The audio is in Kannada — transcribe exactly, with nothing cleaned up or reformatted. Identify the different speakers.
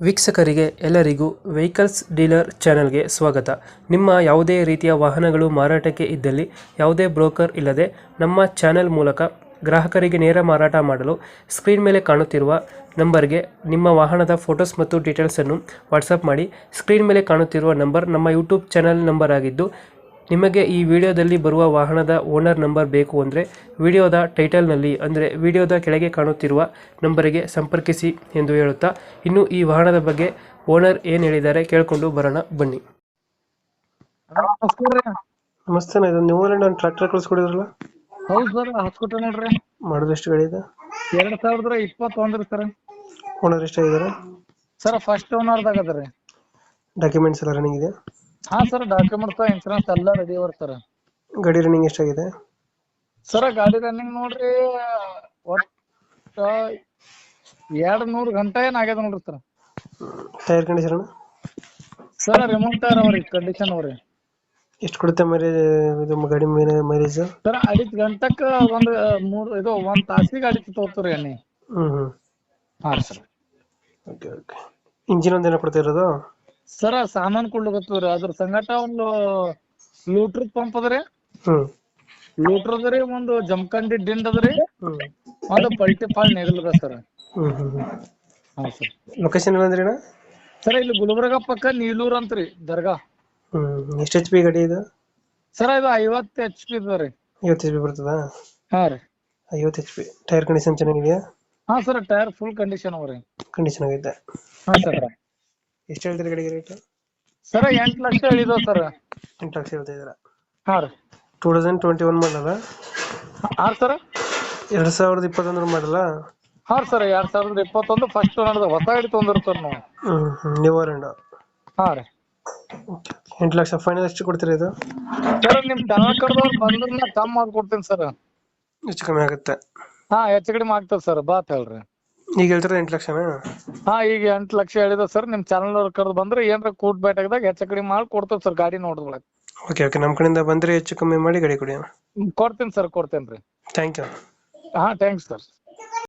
Speaker 1: ವೀಕ್ಷಕರಿಗೆ ಎಲ್ಲರಿಗೂ ವೆಹಿಕಲ್ಸ್ ಡೀಲರ್ ಚಾನೆಲ್ಗೆ ಸ್ವಾಗತ. ನಿಮ್ಮ ಯಾವುದೇ ರೀತಿಯ ವಾಹನಗಳು ಮಾರಾಟಕ್ಕೆ ಇದ್ದಲ್ಲಿ ಯಾವುದೇ ಬ್ರೋಕರ್ ಇಲ್ಲದೆ ನಮ್ಮ ಚಾನೆಲ್ ಮೂಲಕ ಗ್ರಾಹಕರಿಗೆ ನೇರ ಮಾರಾಟ ಮಾಡಲು ಸ್ಕ್ರೀನ್ ಮೇಲೆ ಕಾಣುತ್ತಿರುವ ನಂಬರ್ಗೆ ನಿಮ್ಮ ವಾಹನದ ಫೋಟೋಸ್ ಮತ್ತು ಡೀಟೇಲ್ಸನ್ನು ವಾಟ್ಸಪ್ ಮಾಡಿ. ಸ್ಕ್ರೀನ್ ಮೇಲೆ ಕಾಣುತ್ತಿರುವ ನಂಬರ್ ನಮ್ಮ ಯೂಟ್ಯೂಬ್ ಚಾನೆಲ್ ನಂಬರ್ ಆಗಿದ್ದು, ನಿಮಗೆ ಈ ವಿಡಿಯೋದಲ್ಲಿ ಬರುವ ವಾಹನದ ಓನರ್ ನಂಬರ್ ಬೇಕು ಅಂದರೆ ವಿಡಿಯೋದ ಟೈಟಲ್ನಲ್ಲಿ ಅಂದರೆ ವಿಡಿಯೋದ ಕೆಳಗೆ ಕಾಣುತ್ತಿರುವ ನಂಬರಿಗೆ ಸಂಪರ್ಕಿಸಿ ಎಂದು ಹೇಳುತ್ತಾ, ಇನ್ನು ಈ ವಾಹನದ ಬಗ್ಗೆ ಓನರ್ ಏನು ಹೇಳಿದ್ದಾರೆ ಕೇಳಿಕೊಂಡು ಬರೋಣ ಬನ್ನಿ. ನಮಸ್ತೆ, ನಾ ಇದು ನೀವು ನಾನು ಟ್ರ್ಯಾಕ್ಟರ್ ಕಳಿಸ್ಕೊಡಿದ್ರಲ್ಲ?
Speaker 2: ಹೌದು ಸರ್, ಹಾಸ್ಕೊಟ್ರೆ ನೋಡ್ರಿ.
Speaker 1: ಮಾಡೋದು ಎಷ್ಟು ಗಾಡಿ ಇದೆ?
Speaker 2: ಎರಡ್ ಸಾವಿರದ ಇಪ್ಪತ್ತೊಂದ್ರಿ ಸರ್.
Speaker 1: ಓನರ್ ಎಷ್ಟಾಗಿದ್ದಾರೆ?
Speaker 2: ಸರ್ ಫಸ್ಟ್ ಓನರ್ದಾಗ ಅದ್ರಿ.
Speaker 1: ಡಾಕ್ಯುಮೆಂಟ್ಸ್ ಎಲ್ಲ ರನ್ನಿಂಗ್ ಇದೆ?
Speaker 2: ಹಾ ಸರ್, ಡಾಕ್ಯುಮೆಂಟ್ಸ್ ಇನ್ಸೂರೆನ್ಸ್ ಎಲ್ಲ ರೆಡಿ ಅವ್ರ ಸರ್.
Speaker 1: ಗಾಡಿ ರನ್ನಿಂಗ್ ಎಷ್ಟಾಗಿದೆ?
Speaker 2: ಸರ್ ಗಾಡಿ ರನ್ನಿಂಗ್ ನೋಡ್ರಿ ಒಟ್ಟ ಎರಡ್ ನೂರ್ ಗಂಟೆ ಏನ್ ಆಗ್ಯದ ನೋಡ್ರಿ sir.
Speaker 1: Tyre condition?
Speaker 2: Sir remote tyre ಅವ್ರಿ, ಕಂಡೀಷನ್ ಅವ್ರಿ.
Speaker 1: ಎಷ್ಟು ಕೊಡುತ್ತೆ ಮೈಲೇಜ್ ಇದು ಗಾಡಿ ಮೇಲೆ ಮೈಲೇಜ್?
Speaker 2: ಸರ್ ಅಡಿತ್ ಗಂಟಕ್ ಒಂದ್ ಮೂರ್ ಇದು ಒಂದ್ ತಾಸಿಗೆ ಅಡಿತ್ ತಗೋತೀರಿ ಎಣ್ಣೆ.
Speaker 1: ಹ್ಮ್ ಹ್ಮ್
Speaker 2: ಹಾ ಸರ್.
Speaker 1: Okay okay. ಇಂಜಿನ್ ಒಂದೇನ ಕೊಡ್ತಾ ಇರೋದು?
Speaker 2: ಸರ್ ಸಾಮಾನ್ ಕೊಡ್ಲಿಕತ್ತೀವ್ರಿ, ಅದ್ರ ಸಂಗಟ ಒಂದು ಲೂಟ್ರ್ ಪಂಪ್ ಅದ್ರಿ,
Speaker 1: ಹ್ಮ್
Speaker 2: ಲೂಟ್ರ್ ಅದ್ರಿ, ಒಂದು ಜಮಖಂಡಿ ದಿಂಡ್ ಅದ್ರಿ,
Speaker 1: ಹ್ಮ್
Speaker 2: ಒಂದು ಪಲ್ಟಿ ಫಾಲ್ ನೆಗಲ್ದ ಸರ್.
Speaker 1: ಹ್ಮ್ ಹ್ಮ್ ಹ್ಮ್
Speaker 2: ಹಾ ಸರ್.
Speaker 1: ಲೊಕೇಶನ್ ಎಲ್ಲ ಅಂದ್ರೆ ಅಣ್ಣ?
Speaker 2: ಸರ್ ಇಲ್ಲಿ ಗುಲ್ಬರ್ಗ ಪಕ್ಕ ನೀಲೂರ್ ಅಂತ್ರಿ ದರ್ಗಾ.
Speaker 1: ಹ್ಮ್ ಎಷ್ಟು ಎಚ್ ಪಿ ಗಾಡಿ ಇದು?
Speaker 2: ಸರ್ ಇದು ಐವತ್ತು ಎಚ್ ಪಿ ರೀ.
Speaker 1: ಐವತ್ತು ಎಚ್ ಪಿ ಬರ್ತದಾ?
Speaker 2: ಹಾ ರೀ.
Speaker 1: ಐವತ್ತು ಎಚ್ ಪಿ. ಟೈರ್ ಕಂಡೀಷನ್ ಚೆನ್ನಾಗಿದೆಯಾ?
Speaker 2: ಹಾ ಸರ್, ಟೈರ್ ಫುಲ್ ಕಂಡೀಷನ್ ಅವ್ರಿ.
Speaker 1: ಕಂಡೀಷನ್ ಆಗೈತೆ.
Speaker 2: ಹಾ ಸರ್.
Speaker 1: ಎಷ್ಟು ಹೇಳ್ತೀರಿ ಗಾಡಿಗೆ ರೇಟ್?
Speaker 2: ಸರ್ ಎಂಟ್ ಲಕ್ಷ ಹೇಳಿದವ್ ಸರ್.
Speaker 1: ಎಂಟು ಲಕ್ಷ ಹೇಳ್ತಾ ಇದ್ದೀರಾ?
Speaker 2: ಹಾ ರೀ.
Speaker 1: ಟೂ ತೌಸಂಡ್ ಟ್ವೆಂಟಿ ಒನ್ ಮಾಡಲ್ಲ?
Speaker 2: ಹಾ ಸರ್.
Speaker 1: ಎರಡ್ ಸಾವಿರದ ಇಪ್ಪತ್ತೊಂದರ ಮಾಡಲ್ಲ?
Speaker 2: ಹಾ ಸರ್, ಎರಡ್ ಸಾವಿರದ ಇಪ್ಪತ್ತೊಂದು ಫಸ್ಟ್ ನಡೆದ ಹೊಸ ಗಾಡಿ ತೊಂದಿರ್ತಾರ ನಾವು.
Speaker 1: ಹ್ಮ್ ಹ್ಮ್ ನ್ಯೂ ಅರೌಂಡ್?
Speaker 2: ಹಾ ರೀ.
Speaker 1: ಎಂಟು ಲಕ್ಷ ಫೈನಲ್ ಎಷ್ಟು ಕೊಡ್ತೀರಾ ಇದು?
Speaker 2: ಸರ್ ನಿಮ್ ಚಾನಲ್ ಕಡೆದವ್ರು ಬಂದ್ರ ಕಮ್ಮಿ ಮಾಡ್ಕೊಡ್ತೀನಿ ಸರ್.
Speaker 1: ಹೆಚ್ಚು ಕಮ್ಮಿ ಆಗುತ್ತೆ?
Speaker 2: ಹಾ ಹೆಚ್ಚು ಕಡಿಮೆ ಆಗ್ತದ ಸರ್, ಬಾತ್ ಹೇಳ್ರಿ.
Speaker 1: ಈಗ ಹೇಳ್ತೀರಾ ಎಂಟು ಲಕ್ಷನಾ?
Speaker 2: ಹಾ ಈಗ ಎಂಟು ಲಕ್ಷ ಹೇಳಿದ ಸರ್. ನಿಮ್ ಚಾನಲ್ ಅವ್ರ ಕರೆದು ಬಂದ್ರೆ ಏನ್ರ ಕೂಟ್ ಬೇಟಾಗದಾಗ ಹೆಚ್ಚು ಕಡಿಮೆ ಮಾಡಿ ಕೊಡ್ತೇವೆ ಸರ್, ಗಾಡಿ ನೋಡಿದ್ಮೇಲೆ.
Speaker 1: ಓಕೆ ಓಕೆ, ನಮ್ಮ ಕಡೆಯಿಂದ ಬಂದರೆ ಹೆಚ್ಚು ಕಮ್ಮಿ ಮಾಡಿ ಗಾಡಿ ಕೊಡಿ.
Speaker 2: ಕೊಡ್ತೀನಿ ಸರ್, ಕೊಡ್ತೇನ್ರಿ.
Speaker 1: Thank you.
Speaker 2: ಹಾ ಥ್ಯಾಂಕ್ಸ್ ಸರ್.